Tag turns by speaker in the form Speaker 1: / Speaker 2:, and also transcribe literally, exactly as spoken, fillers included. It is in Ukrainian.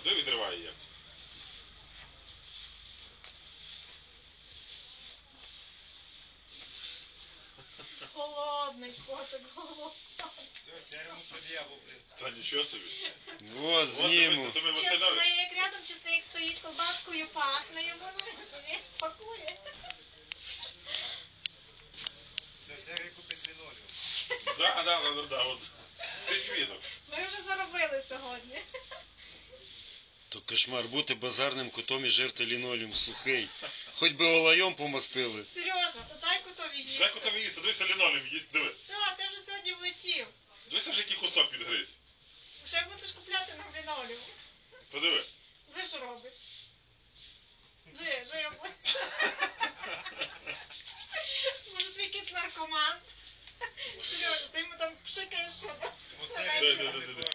Speaker 1: А той відриває як.
Speaker 2: Голодний котик, голодний.
Speaker 3: Все, я йому пред'яву, блин.
Speaker 1: Та нічого собі.
Speaker 4: Вот, зніму.
Speaker 2: Чесник, рядом чесник стоїть, колбаскою пахне, йому собі пакує.
Speaker 3: Все, Сергій купить лінолеум.
Speaker 1: Да, да, да, да, от. Ти свідок.
Speaker 2: Ми вже заробили сьогодні.
Speaker 4: То кошмар бути базарним котом і жерти лінолеум сухий. Хоч би олайом помастили.
Speaker 2: Сережа, то дай котові їсти.
Speaker 1: Дай котові їсти, дивися лінолеум їсть, диви.
Speaker 2: Все, ти вже сьогодні влетів.
Speaker 1: Дивися вже який кусок підгриз.
Speaker 2: Вже мусиш купляти нам лінолеум.
Speaker 1: Подиви.
Speaker 2: Ви що робить? Ви, живо. Може твій кіт наркоман? Сережа, ти йому там пшикаєш, що?
Speaker 3: Оце
Speaker 1: Да, да, да, да, да.